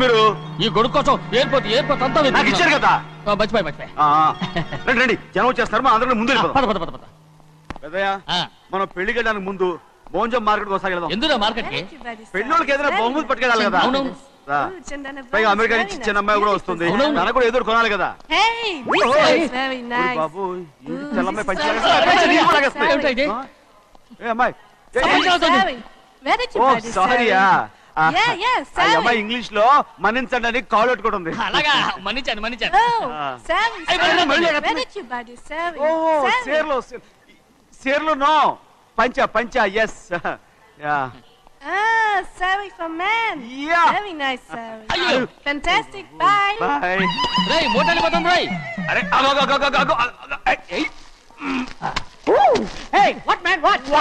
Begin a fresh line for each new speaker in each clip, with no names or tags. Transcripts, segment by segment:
మీరు?
ఈ గొడుగు కోసం ఎయిర్పోర్ట్ అంతా
నాకు ఇచ్చారు కదా.
మర్చిపోయి
రండి రండి, జనం వచ్చేస్తారు. మా అందరం ముందు పెద్దయ్య, మనం పెళ్లికి వెళ్ళడానికి ముందు భోజనం మార్కెట్ ఒకసారి వెళ్దాం.
ఎందుకు మార్కెట్ కి?
పెళ్ళోళ్ళకి ఏదైనా బహుమతి పట్టుకెళ్ళాలి కదా. పైగా అమెరికా నుంచి చిన్న అమ్మాయి కూడా వస్తుంది, తనకు కూడా ఎదురు కొనాలి కదా. బాబు చెల్లమ్మాయి పంచి అమ్మాయి. సారీయా, అమ్మాయి ఇంగ్లీష్ లో మన్నించండి అని కాల్ పెట్టుకుంటుంది.
అలాగా, మన్నించాను.
సేర్లు నో, పంచా yes.
Sari for men.
Yeah.
Very nice, Sari. Fantastic. Bye.
Bye.
రేయ్ మోటార్ పోతాం రేయ్.
అరే
Hey, what man?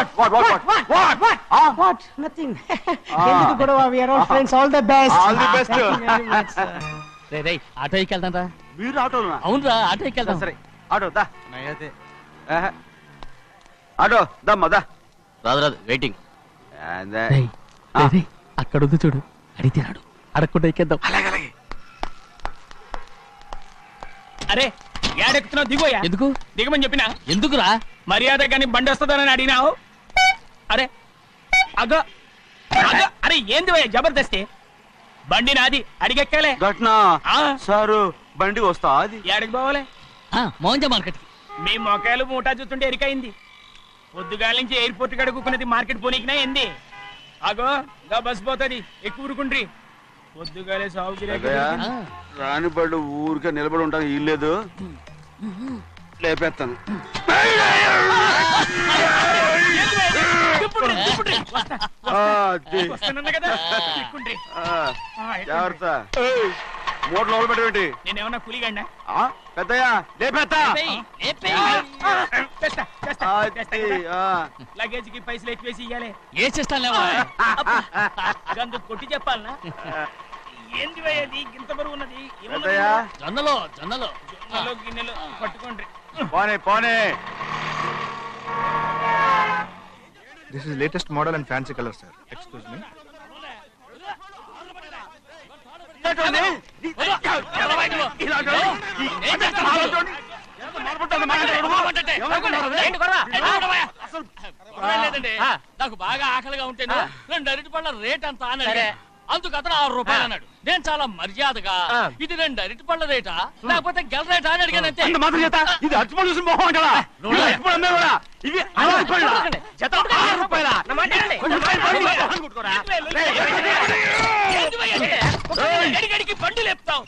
What? Nothing. ఎందుకు గొడవ? We are all friends. All the best.
All the best.
రేయ్ ఆటో ఎక్కెళ్తాం రా.
మీరు ఆటోనా?
అవునురా, ఆటో ఎక్కెళ్తాం.
సరే ఆటో దా. ఆటో దమ్మా.
రాదు వెయిటింగ్. అక్కడ ఉంది చూడు, అడిగితే రాడు, అడగకుండా ఎక్కేద్దాం.
అరే ఏడెక్కుతున్నావు? దిగోయా.
ఎందుకు
దిగమని చెప్పినా?
ఎందుకురా?
మర్యాద కానీ బండి వస్తుందని అడిగినావు. అరే అగో అరే ఏంది భయ్యా జబర్దస్తి? బండి నాది, అడిగెక్కాలే.
ఘట్నా సారు, బండి వస్తా. అది
ఏడకి పోవాలి?
మోహన్జా మార్కెట్.
మీ మొక్కలు మూటా చూస్తుంటే ఎరికైంది. పొద్దుగాల నుంచి ఎయిర్పోర్ట్ కడుక్కున్నది మార్కెట్ పోనీకినా ఏంది? అగో గా బస్ పోతుంది, ఎక్కువ ఊరుకుండ్రి. పొద్దుగాలే సాగు
రాని బళ్ళు ఊరికే నిలబడి ఉంటాను, ఇల్లేదు లేపేస్తాను. జాగ్రత్త, మూడు లోపల పెట్టేంటి?
నేనేమన్నా కూలిగండా?
పెద్దయ్యా లేపేస్తా.
లగేజ్ కి పైసలు ఎక్కువేసి ఇయ్యాలి.
ఏ చేస్తానులేవా?
గందు కొట్టి చెప్పాలనా? ఏంది అది ఇంత బరువు ఉన్నది?
జొన్నలో
గిన్నెలు పట్టుకోండి.
పోనే.
This is latest model and fancy color, sir. Excuse me.
నాకు బాగా ఆకలిగా ఉంటేను 2 అరటిపళ్ళ రేట్ అంత అన్నాడు. అందుకు అతను 6 రూపాయలు అన్నాడు. నేను చాలా మర్యాదగా ఇది 2 అరటిపళ్ళ రేటా లేకపోతే గెల రేటా అని అడిగాను. అంతే.
ఇది అరటిపళ్ళు చూసి మొహం కదా. ఇవి 6 రూపాయలా?
బండి లేపుతావు.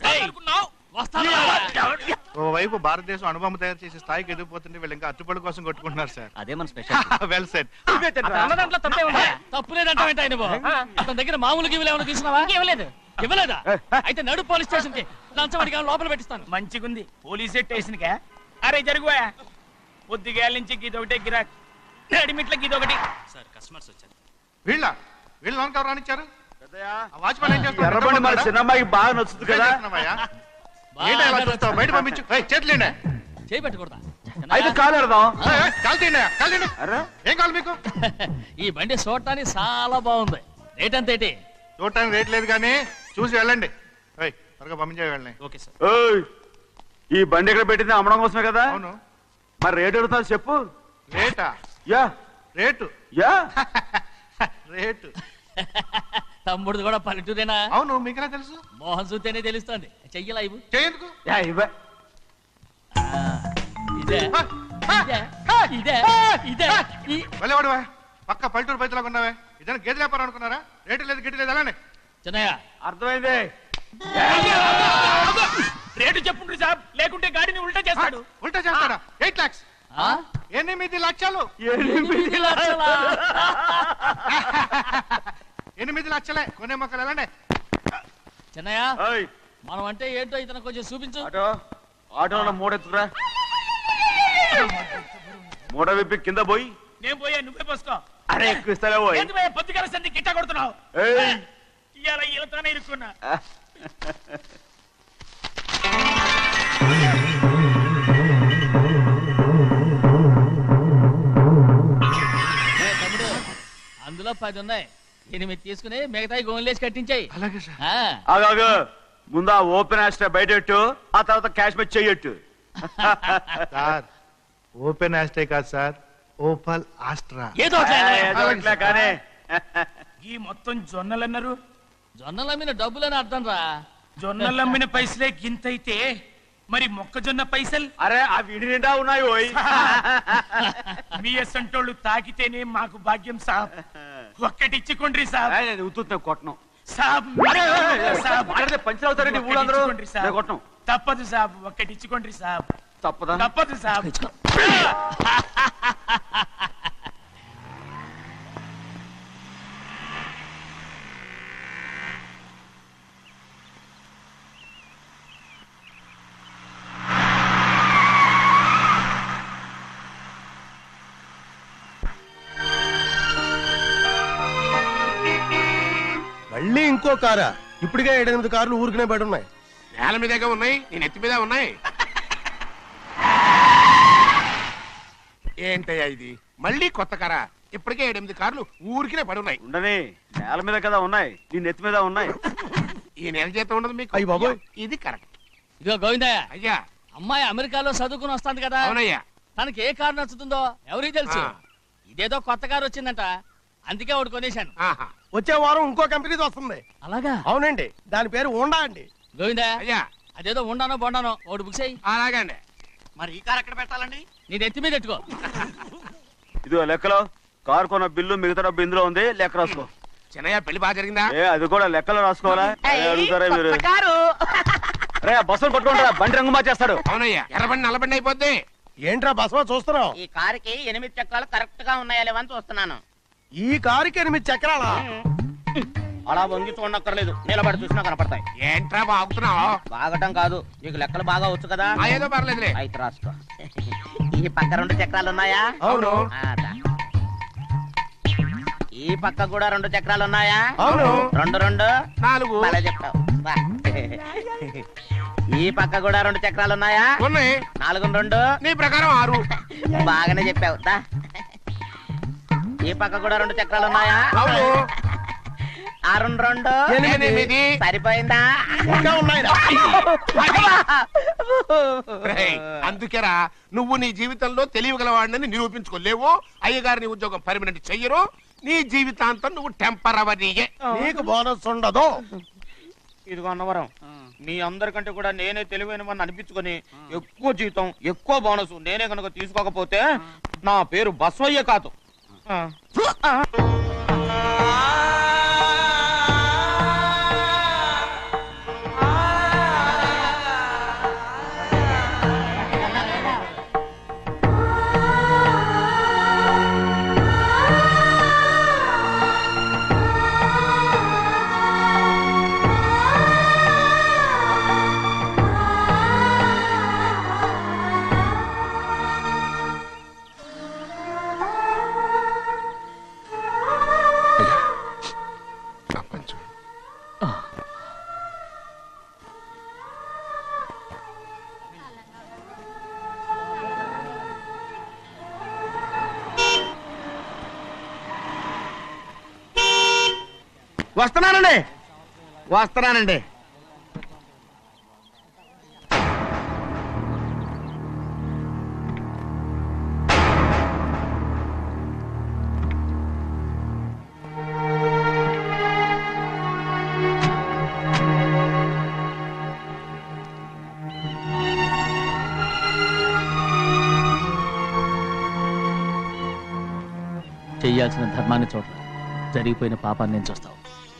ఓవైపు భారతదేశం అనుభవం తయారు చేసే స్థాయికి ఎదిగిపోతుంటే వీళ్ళు ఇంకా అట్టుపడి కోసం కొట్టుకుంటున్నారు సార్.
అదే మన స్పెషల్.
Well said.
దాంట్లో తప్పే ఉందా?
తప్పులేదంటావేంట ఆయన? అతని దగ్గర మామూలు గివ్వులు ఏమైనా తీసుకున్నావా? ఇవ్వలేదా? అయితే నడు పోలీస్ స్టేషన్ కి లంచం అడిగా లోపల పెట్టిస్తాను.
మంచిగుంది, పోలీస్ స్టేషన్ కా? అరే జరుగుయా, పొద్దుగాల నుంచి గీదొకటే గిరాక్, అడిమిట్ల గీదొకటి. సార్ కస్టమర్స్ వచ్చారు.
వీళ్ళు లోన్ కవర్ రానిచ్చారు.
ఎర్రబండి మన చిన్నమ్మాయికి బాగా నచ్చుతుంది కదా.
బయట పంపించు. చేతులేండి.
చేయి పెట్టకూడదా?
అయితే కాలు ఎడదాం.
ఏం కావాలి మీకు?
ఈ బండి చూడటానికి చాలా బాగుంది. రేట్ అంత ఏంటి?
చూడటానికి రేట్ లేదు కానీ చూసి వెళ్ళండి. త్వరగా పంపించే వెళ్ళండి.
Okay sir.
ఈ బండి ఎక్కడ పెట్టింది? అమ్మడం కోసమే కదా.
అవును.
మరి రేట్ అడుగుతా చెప్పు.
రేటా? రేటు
తమ్ముడు కూడా పల్లెటూరేనా?
అవును. మీకెలా తెలుసు?
మోహన్ చూస్తేనే తెలుస్తుంది. చెయ్యలా ఇవ్వు.
చెయ్యేందుకు? పక్క పల్లెటూరు పైతలాగా ఉన్నావే. ఇదైనా గేదె వ్యాపారం అనుకున్నారా? రేటు లేదు గిట్టు లేదు. అలానే
చిన్నయ్య అర్థమైంది.
రేటు చెప్పుండ్రి సాబ్, లేకుంటే గాడిని ఉల్టా చేస్తాడు.
ఉల్టా చేస్తాడా? 8 lakhs. 8 లక్షలు. 8 లక్షలే. కొనే మొక్కలు ఎలాండి?
చిన్నయ్య మనం అంటే ఏంటో ఇతను కొంచెం చూపించు.
ఆటోలో మూడెత్తురా. మూడ విప్పి కింద పోయి.
నేను పోయా, నువ్వే పోసుకో.
అరే ఎక్కువ ఇస్తాలే పోయి.
పొద్దుగల సంధి గిట్ట కొడుతున్నావు. ఇవాళ ఈలతోనే ఇరుక్కున్నా.
అందులో 10 ఉన్నాయి. 8 తీసుకుని మిగతాయి గోన్లేసి కట్టించాయి.
అలాగే సార్.
ఆగాగు ముందు ఆ ఓపెన్ ఆస్ట్రా బయటెట్టు, ఆ తర్వాత క్యాష్ మెచ్ చెయ్యట్టు.
సార్ ఓపెన్ ఆస్ట్రే కాదు సార్, ఓపల్ ఆస్ట్రా.
ఏదో
అట్లా కానీ
ఈ మొత్తం జొన్నలన్నారు.
జొన్నలమ్మిన డబ్బులని అర్థం రా.
జొన్నలమ్మిన పైసలే గింతైతే మరి మొక్కజొన్న పైసలు?
అరే ఆ విడి నిండా ఉన్నాయి ఓయ్.
మీ అసంటోళ్ళు తాకితేనే మాకు భాగ్యం సాబ్. ఒక్కటిచ్చుకోండి సాబ్.
నేను ఉత్తున్నా కొట్టను
సాబ్. సాబ్
పంచర్ అవుతారండి ఊళ్ళందరూ. నేను కొట్టను.
తప్పదు సాబ్, ఒక్కటిచ్చుకోండి సాబ్.
తప్పదా?
తప్పదు సాబ్.
మళ్ళీ ఇంకో కారా? ఇప్పటికే 7-8 కార్లు ఊరికనే బయట ఉన్నాయి.
నేల మీదగా ఉన్నాయి, నేను ఎత్తి మీద ఉన్నాయి. ఏంటయ్యా ఇది? మళ్ళీ కొత్త కారా? ఇప్పటికే 7-8 కార్లు ఊరికినే పడున్నాయి.
ఉండని నేల మీద కదా ఉన్నాయి, నీ నెత్తి మీద ఉన్నాయి.
ఈ నెల జీతం ఉండదు మీకు.
అయ్య బాబోయ్.
ఇది కరెక్ట్.
ఇదిగో గోవిందయ్య,
అయ్యా.
అమ్మాయి అమెరికాలో చదువుకుని వస్తాంది కదా.
అవునయ్యా.
తనకి ఏ కారు నచ్చుతుందో ఎవరికి తెలుసు. ఇదేదో కొత్త కారు వచ్చిందంట, అందుకే ఒకటి కొనేశాను.
ఆహా.
వచ్చే వారం ఇంకో కంపెనీది వస్తుంది.
అలాగా?
అవునండి, దాని పేరు హోండా అండి.
గోవిందయ్య,
అయ్యా.
అదేదో ఉండానో బొండానో ఒకటి బుక్ చేయి.
అలాగండి.
మరి ఈ కార్ ఎక్కడ పెట్టాలండి?
నీ నెత్తి మీద ఎట్టుకో.
ఇదిగో లెక్కలో కారు కొన్న బిల్లు మిగతా డబ్బు ఇందులో ఉంది, లెక్క రాసుకో.
చిన్నయ్య పెళ్లి బాగా జరిగిందా?
అది కూడా లెక్కలో రాసుకోవాలా? అడుగుతారా మీరు? రే బస్సులు పట్టుకుంటారా, బండి రంగు మార్చేస్తాడు.
అవునయ్యా, ఎర్రబండి నల్లబండి అయిపోద్ది.
ఏంట్రా బసవా చూస్తున్నావు?
ఈ కారుకి 8 చక్రాలు కరెక్ట్ గా ఉన్నాయా లేవని చూస్తున్నాను.
ఈ కారుకి 8 చక్రాలా?
అలా వంగి చూడక్కర్లేదు, నిలబడి చూసినా కనపడతాయి.
ఏంట్రా బాగుతున్నావు?
బాగటం కాదు, నీకు లెక్కలు బాగా వచ్చు కదా.
ఏదో పర్లేదులే.
అయితే రాసుకో. ఈ పక్క 2 చక్రాలు ఉన్నాయా?
అవును.
ఈ పక్క కూడా 2 చక్రాలు ఉన్నాయా?
అవును.
2 2
4.
అలా చెప్తావు. ఈ పక్క కూడా 2 చక్రాలు ఉన్నాయా?
ఉన్నాయి.
4 2
నీ ప్రకారం 6.
బాగానే చెప్పావు. ఈ పక్క కూడా 2 చక్రాలు ఉన్నాయా?
అవును.
6 2
8.
సరిపోయిందా?
ఇంకా ఉన్నాయిరా.
అందుకేరా నువ్వు నీ జీవితంలో తెలియగలవాడిని నిరూపించుకోలేవు. అయ్యగారిని ఉద్యోగం పర్మనెంట్ చెయ్యరు. నీ జీవితాంతం నువ్వు టెంపరవరీయే.
నీకు బోనస్ ఉండదు.
ఇదిగో అన్నవరం, మీ అందరికంటే కూడా నేనే తెలివైన వాడిని అనిపించుకొని ఎక్కువ జీతం ఎక్కువ బోనస్ నేనే కనుక తీసుకోకపోతే నా పేరు బస్వయ్య కాదు. వస్తున్నానండి.
చెయ్యాల్సిన ధర్మాన్ని చోట్ల జరిగిపోయిన పాపాన్ని నేను చూస్తావు.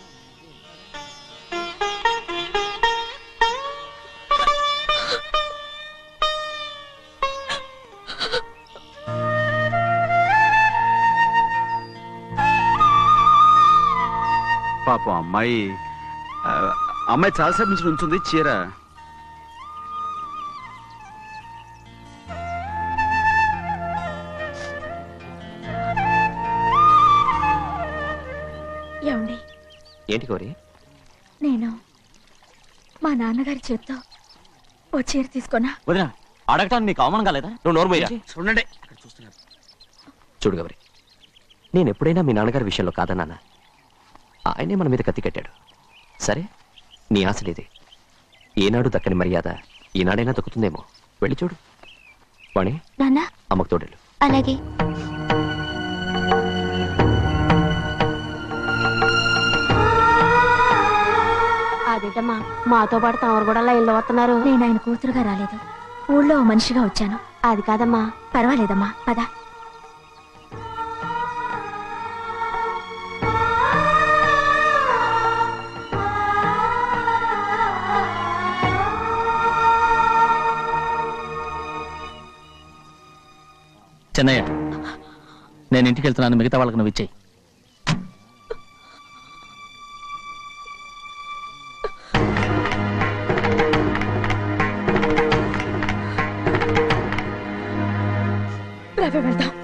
పాపం అమ్మాయి చాలాసేపు నుంచి ఉంచుంది చీర.
ఏమండి?
ఏంటి కోరి?
నేను మా నాన్నగారి చేత్తో ఓ చీర తీసుకున్నా.
వదినా, అడగటానికి నీకు అవమానం కాలేదా? నువ్వు నోర్మయ్యా.
చూడండి అక్కడ చూస్తున్నారు.
చూడు గౌరి, నేను ఎప్పుడైనా మీ నాన్నగారి విషయంలో కాదన్నానా? ఆయనే మన మీద కత్తి కట్టాడు. సరే, నీ ఆశలేదే. ఏనాడు దక్కని మర్యాద ఈనాడైనా దక్కుతుందేమో. వెళ్ళి చూడు. వాణి,
నాన్న
అమ్మకు తోడేళ్ళు.
అలాగే.
అదేంటమ్మా, మాతో పాటు తమరు కూడా లైన్లో వస్తున్నారు.
నేను ఆయన కూతురుగా రాలేదు, ఊళ్ళో ఓ మనిషిగా వచ్చాను.
అది కాదమ్మా.
పర్వాలేదమ్మా, పద.
చెన్నయ్య, నేను ఇంటికి వెళ్తున్నాను. మిగతా వాళ్ళకి నువ్వు ఇచ్చేయి.
వెళ్దాం.